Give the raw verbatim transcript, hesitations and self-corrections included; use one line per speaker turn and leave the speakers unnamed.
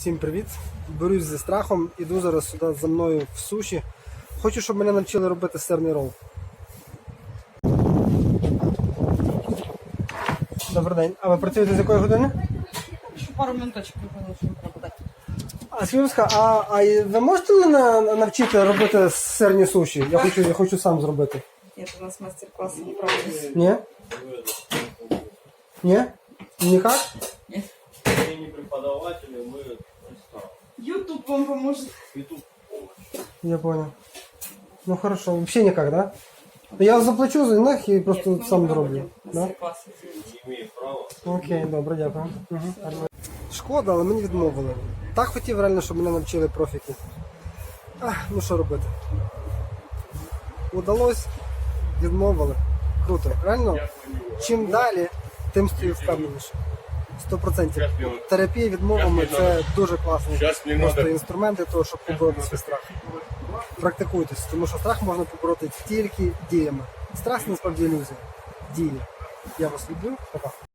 Всім привіт! Борюсь зі страхом, іду зараз сюди за мною в суші. Хочу, щоб мене навчили робити сирний рол. Добрий день. А ви працюєте з якої години?
Ще пару минуточок виходить прокладати.
А скажіть, а, а ви можете мене навчити робити сирні суші? Я хочу, я хочу сам зробити.
Ні, у нас мастер-класси не проводились.
Ні? Ні? Никак?
Ні.
Мы не преподаватели, мы наставники.
Ютуб вам поможет.
YouTube.
Я понял. Ну хорошо, вообще никак, да? Я заплачу за них і просто
Нет, мы
сам
не
зроблю.
проводим
Да?
мастер-классы, извините.
Не имеет права.
Окей, добре, дякую. Угу. Шкода, але мені відмовили. Так хотів реально, щоб мене навчили профіки. Ах, ну що робити? Удалось, відмовили. Круто. Реально, чим далі, тим стою впевненіше. Сто процентів. Терапія відмовами це дуже класний просто інструмент для того, щоб побороти свій страх. Практикуйтесь, тому що страх можна побороти тільки діями. Страх це насправді ілюзія. Дії. Я вас люблю. Пока.